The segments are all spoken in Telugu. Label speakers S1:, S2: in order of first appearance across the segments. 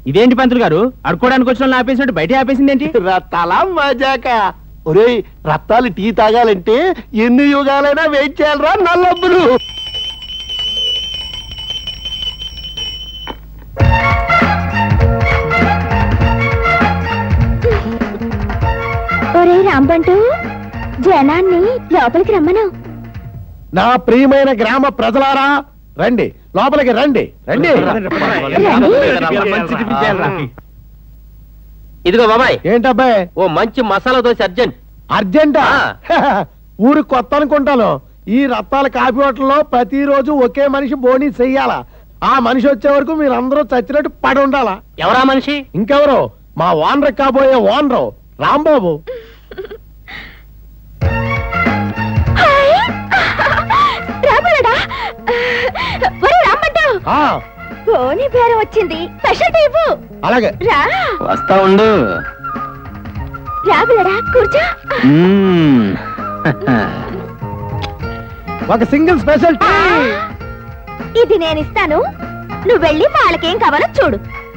S1: ఇదేంటి పంతులు గారు, అడుకోవడానికి వచ్చిన ఆపేసినట్టు బయట ఆపేసింది ఏంటి?
S2: రత్తాలా మజాక. ఒరేయ్, రత్తాలు టీ తాగాలంటే ఎన్ని యుగాలైనా వెయిట్ చేయాలరా నల్లబ్బులు.
S3: ఒరే రాంబంటూ, జనాన్ని లోపలికి రమ్మను.
S2: నా ప్రియమైన గ్రామ ప్రజలారా, రండి, లోపలికి రండి, రండి.
S4: ఇదిగో బాబాయ్.
S2: ఏంటబ్బాయి?
S4: ఓ మంచి మసాలా దోశ అర్జెంట్.
S2: అర్జెంటా? ఊరు కొత్త అనుకుంటాను. ఈ రత్తాల కాఫీ హోటల్లో ప్రతిరోజు ఒకే మనిషి బోనీ చెయ్యాలా. ఆ మనిషి వచ్చే వరకు మీరందరూ చచ్చినట్టు పడి ఉండాలా.
S4: ఎవరా మనిషి?
S2: ఇంకెవరు? మా ఓనర్ కాబోయే ఓనరు రాంబాబు.
S3: బోనీ పేరు వచ్చింది, స్పెషల్ టైపు.
S2: అలాగే
S3: రా,
S4: వస్తా ఉండు.
S3: రాబులడా, కూర్చో.
S2: ఒక సింగిల్ స్పెషల్ టీ.
S3: ఇది నేను ఇస్తాను, నువ్వు వెళ్ళి వాళ్ళకేం కావాలో చూడు.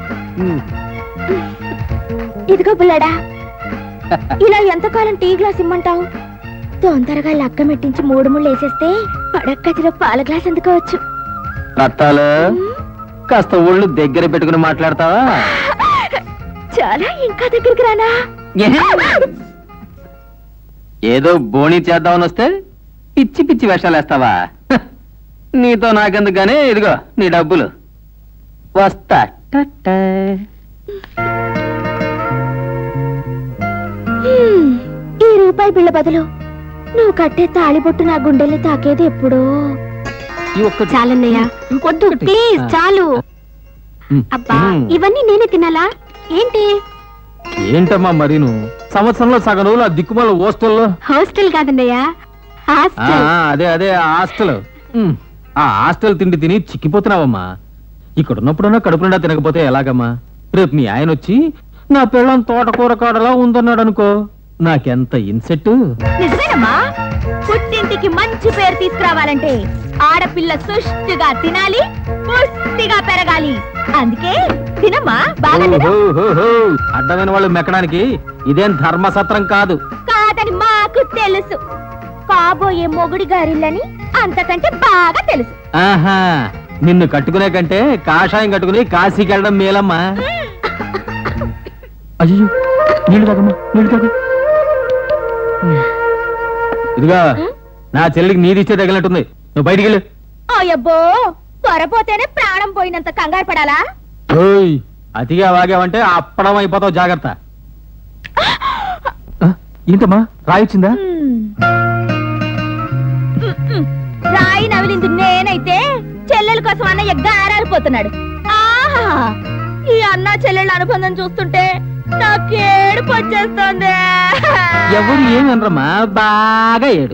S3: ఇదిగో బుల్లడా, ఇలా ఎంతకాలం టీ గ్లాస్ ఇమ్మంటావు? తొందరగా లక్క మెట్టించి 3 ముళ్ళు వేసేస్తే పడక్కతిలో పాల గ్లాస్ అందుకోవచ్చు.
S4: రత్తాలు కాస్త ఒళ్ళు దగ్గర పెట్టుకుని మాట్లాడతావా?
S3: చాలా, ఇంకా దగ్గరికి రానా?
S4: ఏదో బోణి చేద్దామని వస్తే పిచ్చి పిచ్చి వేషాలు వేస్తావా? నీతో నాకెందుకుగానే, ఇదిగో నీ డబ్బులు. వస్తా.
S3: ఈ రూపాయి బిళ్ళ బదులు నువ్వు కట్టే తాళిబొట్టు నా గుండెల్ని తాకేది ఎప్పుడో. చాలన్నయ్య, వద్దు ప్లీజ్, చాలు. అబ్బా, ఇవన్నీ నేనే తినాలా ఏంటి?
S1: ఏంటమ్మా మరి నువ్వు సంవత్సరంలో సగం రోజులు ఆ దిక్కుమాల హాస్టల్లో.
S3: హాస్టల్ కాదన్నయ్య, హాస్టల్.
S1: అదే అదే హాస్టల్. ఆ హాస్టల్ తిండి తిని చిక్కిపోతున్నావమ్మా. ఇక్కడ ఉన్నప్పుడన్నా కడుపు నిండా తినకపోతే ఎలాగమ్మా? రేపు మీ ఆయన వచ్చి నా పిల్లం తోటకూర కాడలా ఉందన్నాడు అనుకో, నాకెంత ఇన్సెట్.
S3: నిజమేనమ్మా, పుట్టింటికి మంచి పేరు తీసుకురావాలంటే ఆడపిల్ల సుష్టిగా తినాలి, పుష్టిగా పెరగాలి. అందుకే తినమ్మా, బాగా తిను.
S1: అడ్డమైన వాళ్ళు మెక్కడానికి ఇదేం ధర్మసత్రం కాదు.
S3: కాదని మాకు తెలుసు. కాబోయే మొగుడి గారిల్లని అంతకంటే బాగా తెలుసు.
S1: ఆహా, నిన్ను కట్టుకునే కంటే కాషాయం కట్టుకుని కాశీకి వెళ్ళడం మేలమ్మా. అయ్యో, నీళ్ళు తాగమ్మా, నీళ్ళు తాగు. ఇదిగా నా చెల్లికి నీదిచ్చే తగిలినట్టుంది, నువ్వు బయటికి వెళ్ళు.
S3: అయ్యబ్బో, త్వరపోతేనే ప్రాణం పోయినంత కంగారు పడాలా?
S1: అతిగా వాగావంటే అప్పడం అయిపోతావు, జాగ్రత్త. ఏంటమ్మా, రాయొచ్చిందా?
S3: రాయి నవిలింది నేనైతే చెల్లెల కోసం అన్నయ్య గారాలిపోతున్నాడు. ఆహా, ఈ అన్న చెల్లెళ్ళ అనుబంధం చూస్తుంటే నాకేడుపు వచ్చేస్తోంది.
S1: ఎవరు ఏమనరమ్మా, బాగా ఏడు.